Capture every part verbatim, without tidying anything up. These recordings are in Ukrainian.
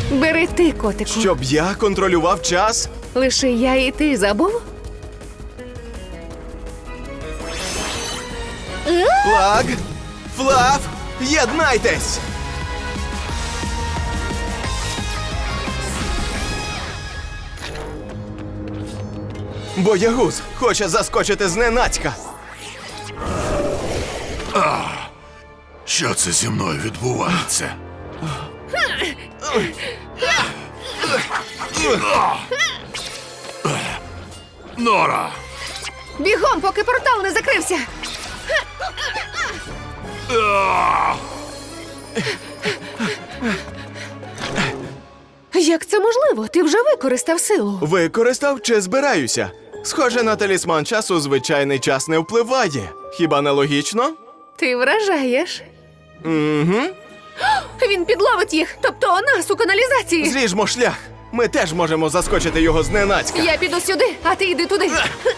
Бери ти, котику. Щоб я контролював час? Лише я і ти забув? Флаг! Флаф! Єднайтесь! Боягуз хоче заскочити зненацька. Що це зі мною відбувається? Нора! Бігом, поки портал не закрився! Як це можливо? Ти вже використав силу. Використав чи збираюся? Схоже, на талісман часу звичайний час не впливає. Хіба не логічно? Ти вражаєш. Угу. Він підловить їх, тобто нас у каналізації. Зріжмо шлях. Ми теж можемо заскочити його зненацька. Я піду сюди, а ти йди туди.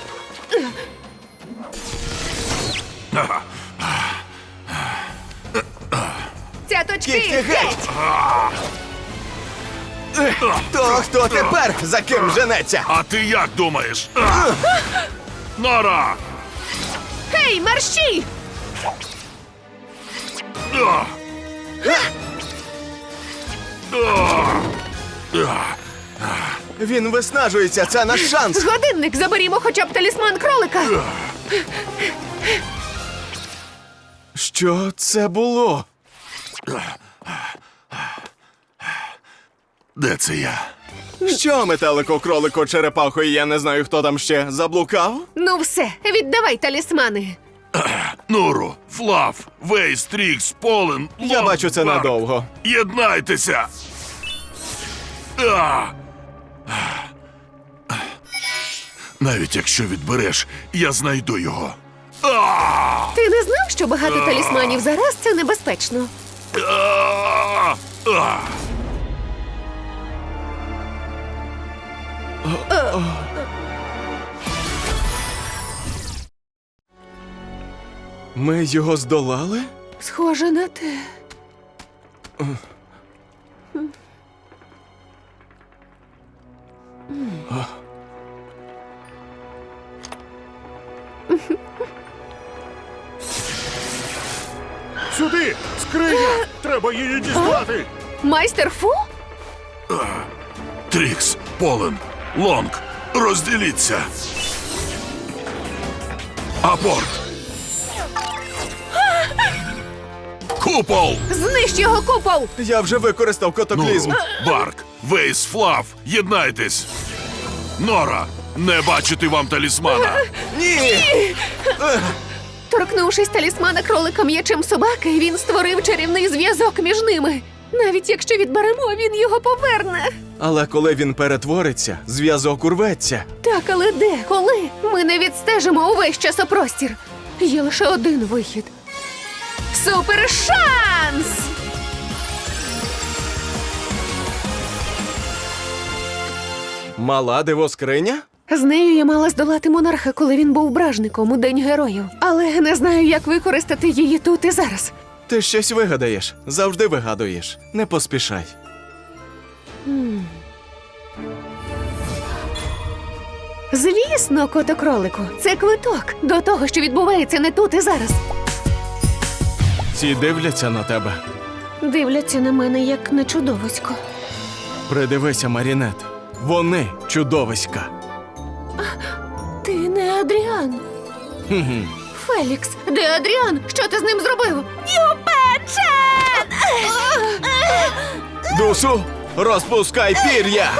Цяточки, Кіхті геть! геть! То хто тепер за ким женеться? А ти як думаєш? А! Нора! Гей, мерщій! А! А! Він виснажується, це наш шанс. Годинник, заберімо хоча б талісман кролика. Що це було? Де це я? Що, метелико, кролико, черепахо, і я не знаю, хто там ще заблукав? Ну все, віддавай талісмани. Нуру, Флаф, Вейс, Трікс, Полен, Я Лон, бачу, це Барк. надовго. Єднайтеся! А! Навіть якщо відбереш, я знайду його. А! Ти не знав, що багато талісманів зараз це небезпечно? А! А! Ми його здолали? Схоже на те. Сюди! Скриня! Треба її дістати! Майстер Фу? Трікс, Полен, Лонг, розділіться. Апорт. Купол. Знищ його купол! Я вже використав котоклізм. Нуру, Барк, Вейс, Флаф, єднайтесь. Нора, не бачити вам талісмана. Ні! Торкнувшись талісмана кролика м'ячем собаки, він створив чарівний зв'язок між ними. Навіть якщо відберемо, він його поверне. Але коли він перетвориться, зв'язок урветься. Так, але де? Коли? Ми не відстежимо увесь часопростір. Є лише один вихід. Супершанс! Мала дивоскриня? З нею я мала здолати монарха, коли він був бражником у День героїв. Але не знаю, як використати її тут і зараз. Ти щось вигадаєш. Завжди вигадуєш. Не поспішай. Звісно, котокролику, це квиток до того, що відбувається не тут і зараз. Ці дивляться на тебе. Дивляться на мене, як на чудовисько. Придивися, Марінет. Вони чудовиська. Ти не Адріан. Хм-хм. Фелікс, де Адріан? Що ти з ним зробив? Юпечен! Дусу, розпускай пір'я!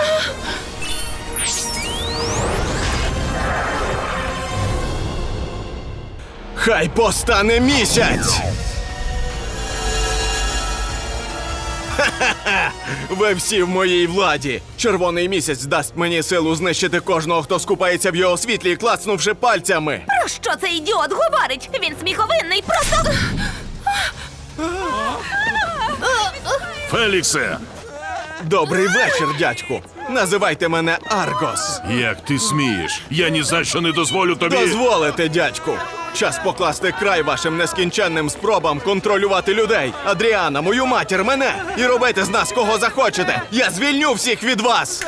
Хай постане місяць! Ха-ха-ха! Ви всі в моїй владі! Червоний місяць дасть мені силу знищити кожного, хто скупається в його світлі, клацнувши пальцями! Про що цей ідіот говорить? Він сміховинний, просто... Феліксе, Добрий вечір, дядьку! Називайте мене Аргос! як ти смієш? Я ні за що не дозволю тобі. Дозволите, дядьку! Час покласти край вашим нескінченним спробам контролювати людей. Адріана, мою матір, мене! І робити з нас кого захочете! Я звільню всіх від вас!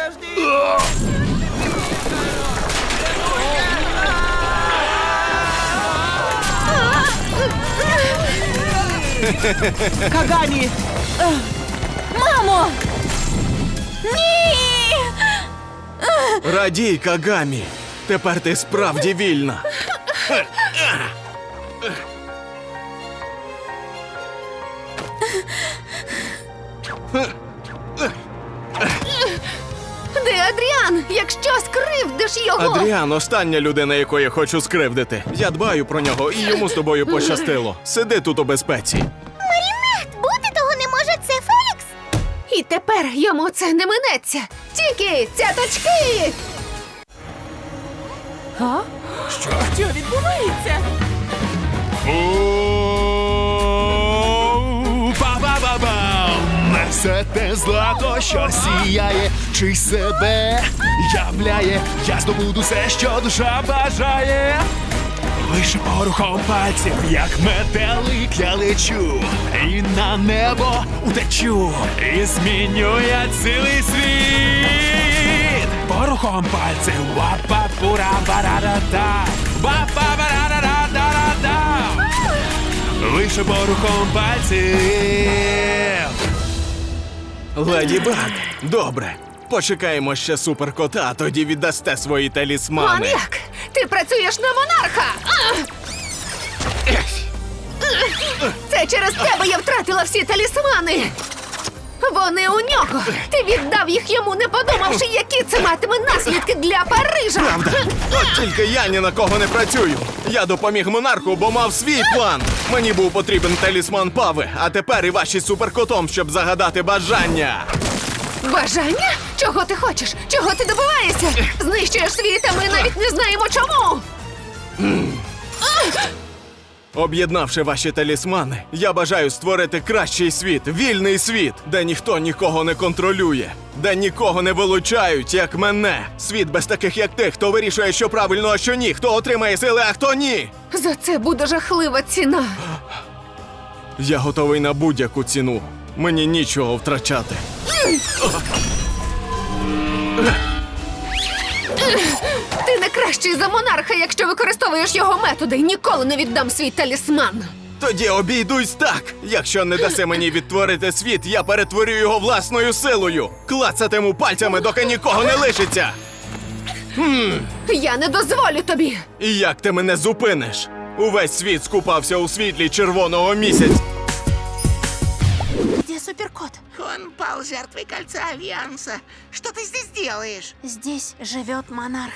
Кагамі! Мамо! Ні! Радій, Кагамі! Тепер ти справді вільна! Де Адріан? Якщо скривдиш його! Адріан – остання людина, якої хочу скривдити. Я дбаю про нього, і йому з тобою пощастило. Сиди тут у безпеці. Марінет, бути того не може, це Фелікс! І тепер йому це не минеться. Тільки цяточки! Що відбувається? Ба-ба-ба-бам! Все те злато, що сіяє, чи себе являє, я здобуду все, що душа бажає. Лише порухом пальців, як метелик, я лечу, і на небо утечу, і зміню я цілий світ. Порухом пальців, ва-па-пура-ба-ра-да-да, ва-па-ба-ра-ра-да-да-да. Лише порухом пальців. Леді Баг, добре. Почекаємо ще суперкота, а тоді віддасте свої талісмани. Маньяк! Ти працюєш на монарха! А! Це через тебе я втратила всі талісмани! Вони у нього! Ти віддав їх йому, не подумавши, які це матиме наслідки для Парижа! Правда? От тільки я ні на кого не працюю. Я допоміг монарху, бо мав свій план. Мені був потрібен талісман Пави, а тепер і ваші з суперкотом, щоб загадати бажання. Бажання? Чого ти хочеш? Чого ти добиваєшся? Знищуєш світ, а ми навіть не знаємо чому! Об'єднавши ваші талісмани, я бажаю створити кращий світ, вільний світ, де ніхто нікого не контролює, де нікого не вилучають, як мене. Світ без таких, як ти, хто вирішує, що правильно, а що ні, хто отримає сили, а хто ні. За це буде жахлива ціна. Я готовий на будь-яку ціну. Мені нічого втрачати. Ти не кращий за монарха, якщо використовуєш його методи. Ніколи не віддам свій талісман. Тоді обійдусь так. Якщо не даси мені відтворити світ, я перетворю його власною силою. Клацатиму пальцями, доки нікого не лишиться. Я не дозволю тобі. І як ти мене зупиниш? Увесь світ скупався у світлі червоного місяця. Где суперкот? Он пал жертвой кольца Альянса. Что ты здесь делаешь? Здесь живет монарх.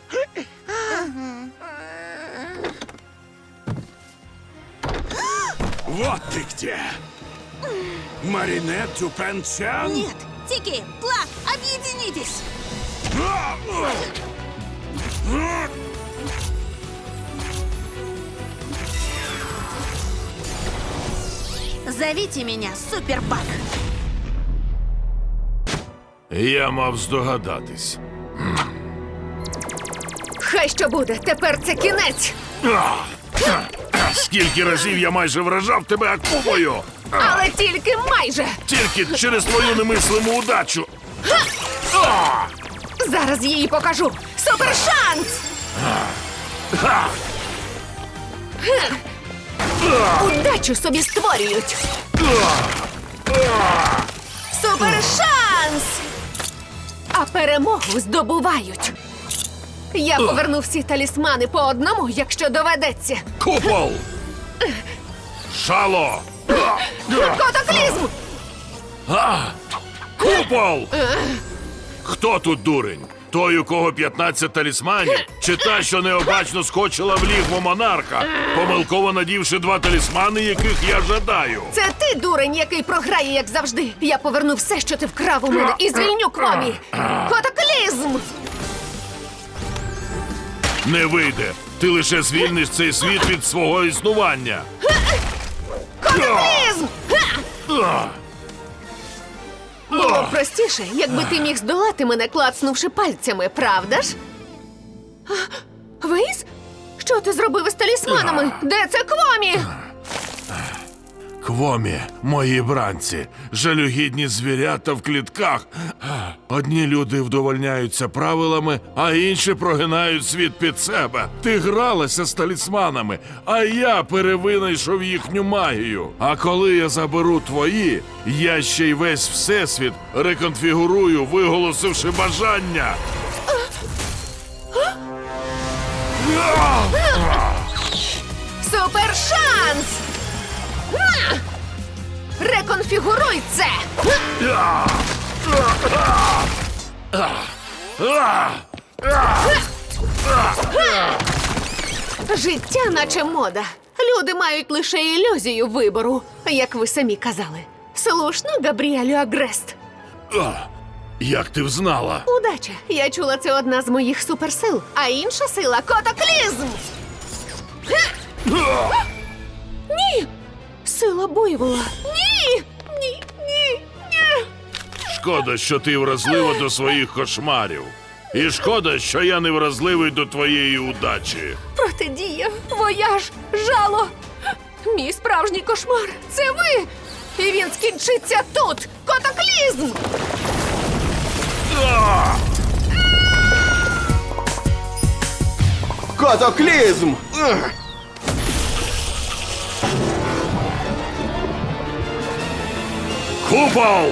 Вот ты где! Маринет Дюпен-Чан? Нет, Тики, Плак, объединитесь! Зовите меня Супербак. Я мав здогадатись. Хай що буде, тепер це кінець. Скільки разів я майже вражав тебе акулою! Але тільки майже. Тільки через твою немислиму удачу! Зараз їй покажу. Супершанс! Удачу собі створюють. Супершанс! А перемогу здобувають. Я поверну всі талісмани по одному, якщо доведеться. Купол! Шало! Котоклізм! Купол! Хто тут дурень? Той, у кого п'ятнадцять талісманів? Чи та, що необачно скочила в лігво монарха, помилково надівши два талісмани, яких я жадаю? Це ти, дурень, який програє, як завжди. Я поверну все, що ти вкрав у мене, і звільню Кромі. Котоклізм! Не вийде. Ти лише звільниш цей світ від свого існування. Котоклізм! Було б простіше, якби ти міг здолати мене, клацнувши пальцями, правда ж? А, Вейс? Що Що ти зробив із талісманами? Де це Квомі? Квомі, мої бранці, жалюгідні звірята в клітках. Одні люди вдовольняються правилами, а інші прогинають світ під себе. Ти гралася з талісманами, а я перевинайшов їхню магію. А коли я заберу твої, я ще й весь всесвіт реконфігурую, виголосивши бажання. Супер шанс! На! Реконфігуруй це! Життя наче мода. Люди мають лише ілюзію вибору, як ви самі казали. Слушно, Габріелю Агрест. Як ти взнала? Удача. Я чула, це одна з моїх суперсил. А інша сила — котоклізм! Ні! Сила буйвола. Ні! Ні, ні, ні! Шкода, що ти вразлива до своїх кошмарів. І шкода, що я не вразливий до твоєї удачі. Протидія, вояж, жало. Мій справжній кошмар — це ви! І він скінчиться тут! Котоклізм! Котоклізм! Ех! Купол!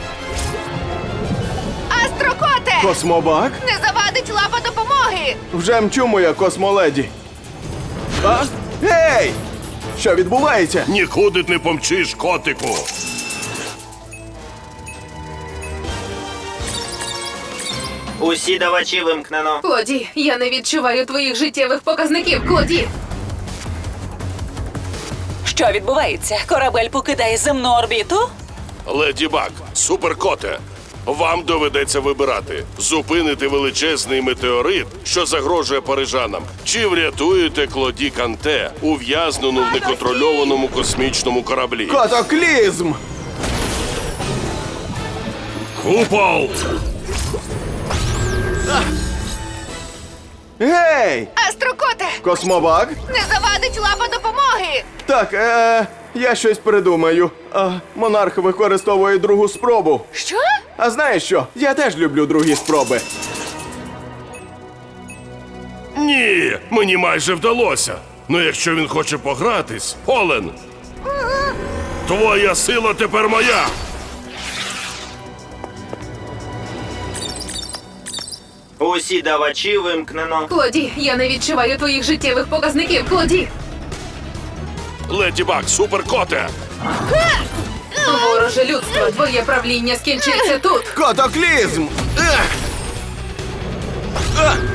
Астрокоте! Космобак? Не завадить лапа допомоги! Вже мчу, моя космоледі. А? Гей! Що відбувається? Нікуди не помчиш, котику! Усі давачі вимкнено. Клоді, я не відчуваю твоїх життєвих показників, Клоді. Що відбувається? Корабель покидає земну орбіту? Леді Баг, суперкоте, вам доведеться вибирати: зупинити величезний метеорит, що загрожує парижанам, чи врятуєте Клоді Канте, ув'язнену в неконтрольованому космічному кораблі. Котоклізм! Купол! Гей! Астрокоте! Космобак? Не завадить лапа допомоги! Так, е, я щось придумаю. А, монарх використовує другу спробу. Що? А знаєш що? Я теж люблю другі спроби. Ні, мені майже вдалося. Ну якщо він хоче погратись, Олен, твоя сила тепер моя. Усі давачі вимкнено. Клоді, я не відчуваю твоїх життєвих показників, Клоді. Леді Баг, суперкоте! Вороже людство, твоє правління скінчиться тут. Котоклізм! Ех! Ех!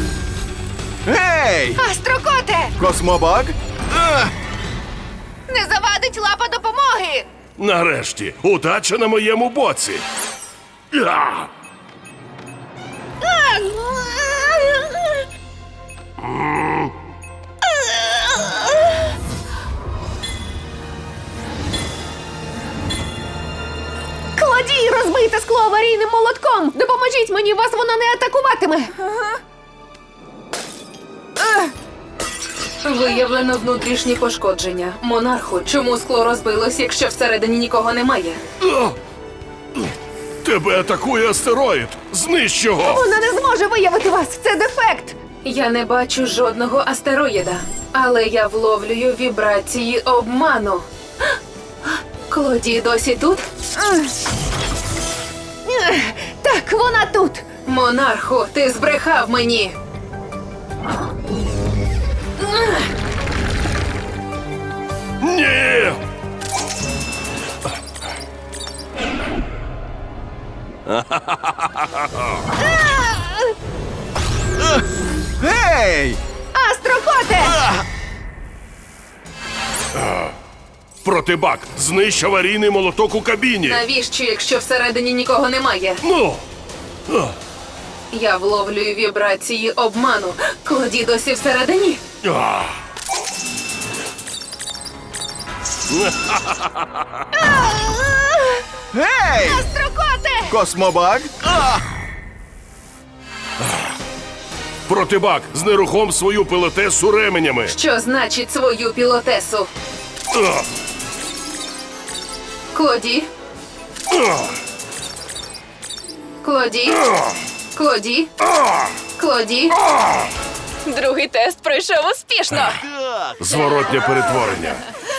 Гей! Астрокоте! Космобак? Ех! Не завадить лапа допомоги! Нарешті, удача на моєму боці. Я! Кладій, розбийте скло аварійним молотком! Допоможіть мені, вас воно не атакуватиме! Виявлено внутрішні пошкодження. Монарху, чому скло розбилось, якщо всередині нікого немає? Тебе атакує астероїд! Знищ його! Вона не зможе виявити вас! Це дефект! Я не бачу жодного астероїда, але я вловлюю вібрації обману. Клоді досі тут? Ех, Так, вона тут! Монарху, ти збрехав мені! Ні! Гей! Астрокоте! Протибак, знищ аварійний молоток у кабіні! Навіщо, якщо всередині нікого немає? Ну! Я вловлюю вібрації обману. Клоді досі всередині? А! Гей! Астрокоте! Космобак? А! Протибак, знерухом свою пілотесу ременями. Що значить свою пілотесу? Ах! Клоді? Клоді? Клоді? Клоді? Другий тест пройшов успішно. Зворотнє перетворення.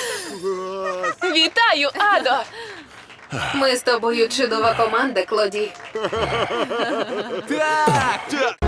Вітаю, Адо! Ми з тобою чудова команда, Клоді. Так, так.